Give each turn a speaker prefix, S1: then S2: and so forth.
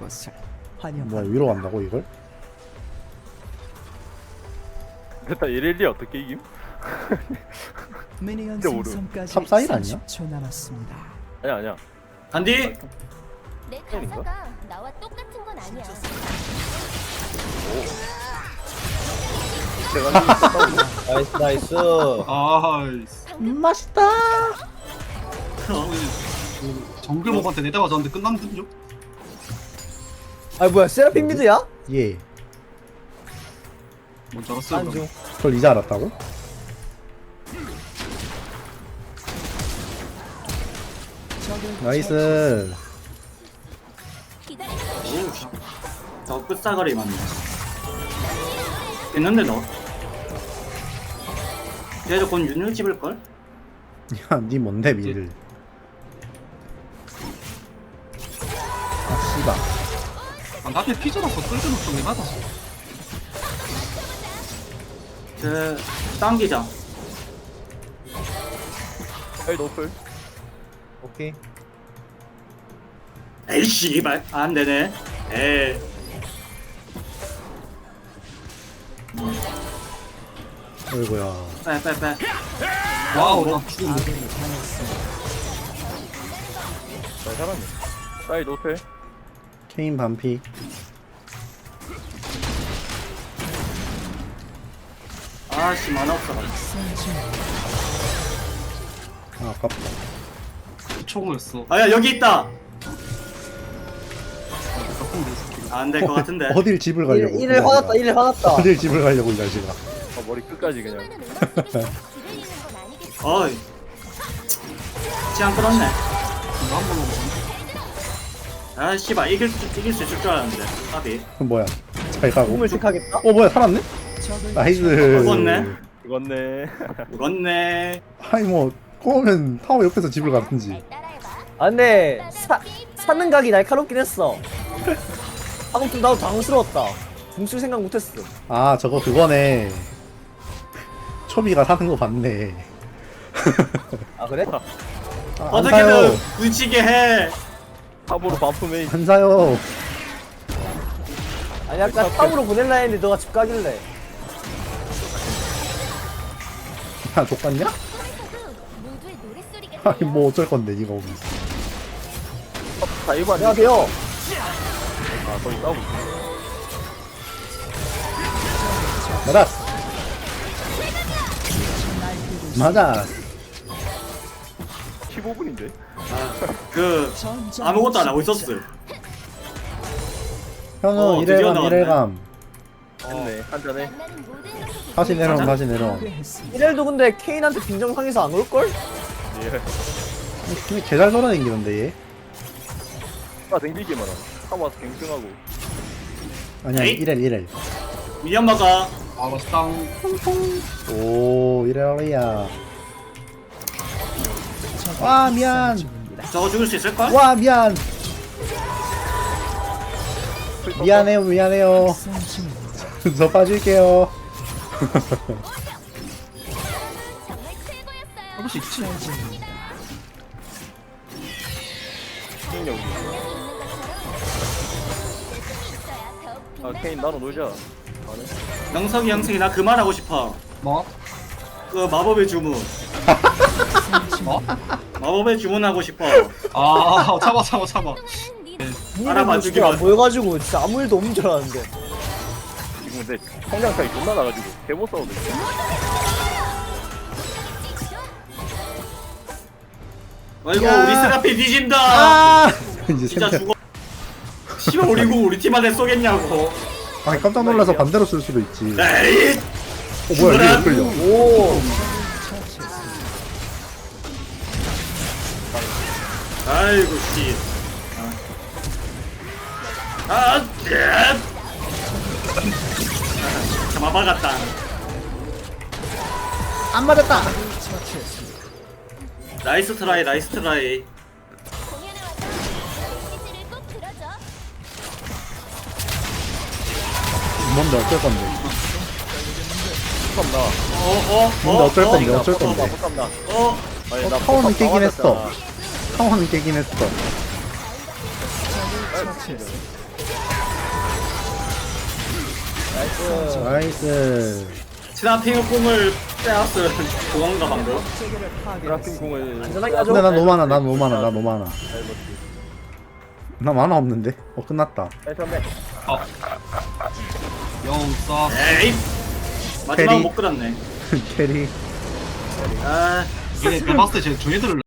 S1: 것을 환영.
S2: 뭐야 위로 간다고 이걸?
S3: 일단 112 어떻게 이김?
S1: 미니언
S3: 진짜 모르-
S1: 생성까지
S2: 탑 사일 아니야?
S1: 30초 남았습니다.
S3: 아니야.
S4: 안디
S5: 내 가사가 나와 똑같은 건 아니야.
S6: 나이스 나이스.
S7: 아이씨.
S2: 맛있다.
S7: 정글 먹한테 내다 맞았는데 끝났는데요?
S6: 아 뭐야 세라핀 미드야?
S2: 예.
S7: 뭔지 알았어요.
S6: 안중.
S2: 그걸 이제 알았다고? 나이스.
S5: 기다려.
S4: 저 끝사거리 맞네. 됐는데 너. 그래도 곧 윤율 집을걸?
S2: 야니 뭔데 밀? 아 씨발.
S7: 아, 나한테 피자라서 끌려놓 좀 해봐다.
S4: 그 당기자.
S3: 에이 노플.
S6: 오케이.
S4: 에이 씨발 안 되네. 에이.
S2: 어이구야.
S4: 빼.
S7: 와우, 나 죽었네.
S3: 잘 살았네. 사이 노플.
S2: 케인 반피.
S4: 아씨 만화 없어.
S2: 아 아깝다.
S7: 총을했어.
S4: 아야 여기 있다. 안 될 것 같은데.
S2: 어딜 집을 가려고? 이
S6: 1을
S2: 자식아.
S6: 화났다 1을 화났다.
S2: 어딜 집을 가려고 이 자식아.
S3: 머리 끝까지 그냥.
S5: 수많은 음악 속에서 길을 잃는 건 아니겠지.
S4: 어이. 치안 끌었네.
S7: 이거 한번 먹어.
S4: 아 씨발 이길 수 있을 줄 알았는데. 까비.
S2: 그럼 뭐야? 잘 가고.
S6: 꿈을 택하겠다.
S2: 어 뭐야 살았네? 나이스.
S4: 죽었네.
S3: 죽었네.
S4: 울었네.
S2: 아니 뭐 꼬우면 타워 옆에서 집을 가든지.
S5: 날 따라해봐.
S6: 아 근데 사는 각이 날카롭긴 했어. 방금 좀 나도 당황스러웠다. 궁쓸 생각 못했어.
S2: 아 저거 그거네. 초비가 사는 거 봤네.
S6: 아 그래?
S2: 아, 안
S4: 어떻게든
S2: 사요.
S4: 부치게 해.
S3: 탑으로 반프 메인.
S2: 안 사요.
S6: 아니 아까 탑으로 보낼라 했는데 너가 집 가길래.
S2: 야 족같냐?
S5: 꿈에서도 모두의 노랫소리가
S2: 아니 뭐 어쩔 건데 이거 오면.
S3: 다이브 아니야?
S6: 안녕하세요.
S3: 아 거기 싸우고.
S2: 맞아. 맞아.
S3: 15분인데.
S4: 그 아무것도 안 하고 있었어요.
S2: 현우
S4: 드디어
S2: 1회감
S4: 나왔네.
S2: 1회감.
S3: 했네. 한잔해.
S5: 만나는 모든 것을
S2: 다시 내려옴
S4: 맞아?
S2: 다시 내려옴.
S6: 이렐도 근데 케인한테 빈정상에서 안 올걸?
S3: 예.
S2: 힘이 개잘 돌아다니는데 얘.
S3: 아 댕기기만 하고. 탑 와서 갱승하고.
S2: 아니야
S4: 에잇.
S2: 1회.
S4: 미연 먹어.
S7: 아, 맛있다.
S2: 오 1회야. 와 미안.
S4: 저거 죽일 수 있을걸?
S2: 와 미안. 미안해요 미안해요. 저 빠질게요.
S5: 정말 최고였어요.
S7: 해볼 수 있지.
S3: 케인 여기. 아 케인 나로 놀자. 안해.
S4: 영석이 형석이 나 그만하고 싶어.
S7: 뭐?
S4: 그 마법의 주문.
S7: 뭐?
S4: 마법의 주문하고 싶어.
S7: 아, 참아.
S4: 알아봐
S6: 니네 안 보여가지고 진짜 아무 일도 없는 줄 알았는데.
S3: 지금 근데 성장 차이 존나 나가지고 개못 싸우네.
S4: 아이고
S2: 야.
S4: 우리 세라피 뒤진다.
S2: 아 이제
S4: 진짜
S2: 생각.
S4: 죽어. 씨발 우리 공 우리 팀한테 쏘겠냐고.
S2: 아니 깜짝 놀라서 반대로 쓸 수도 있지.
S4: 에이.
S2: 어 뭐야 이게 왜 끌려?
S6: 오.
S4: 아이고 씨. 아, 예. 잠깐 막았다.
S2: 안 맞았다.
S4: 나이스 트라이, 나이스 트라이.
S5: 공연에 와서 메시지를 꼭 들어줘.
S2: 뭔데 어쩔 건데?
S3: 깜나.
S2: 뭔데 어쩔 건데 어쩔 건데?
S3: 깜나. 아니 나
S2: 타워는
S3: 포탑
S2: 깨긴
S3: 다
S2: 했어.
S3: 맞았잖아.
S2: 타워는 깨긴 했어.
S6: 나이스.
S2: 나이스.
S4: 스나핑의 꿈을 빼앗은 그건가 방금?
S1: 체계를 파괴했습니다.
S3: 드라핀 공을
S6: 안전하게 가죠.
S2: 근데 난 너무 많아. 난 너무 많아. 나 너무 많아.
S3: 잘 버티.
S2: 나 만화 없는데. 끝났다.
S6: 뺄턴백.
S7: 영싸.
S4: 에이 마지막
S2: 캐리.
S4: 못 끌었네.
S2: 캐리.
S4: 아
S7: 이게 내가 봤을 때 쟤 저희들을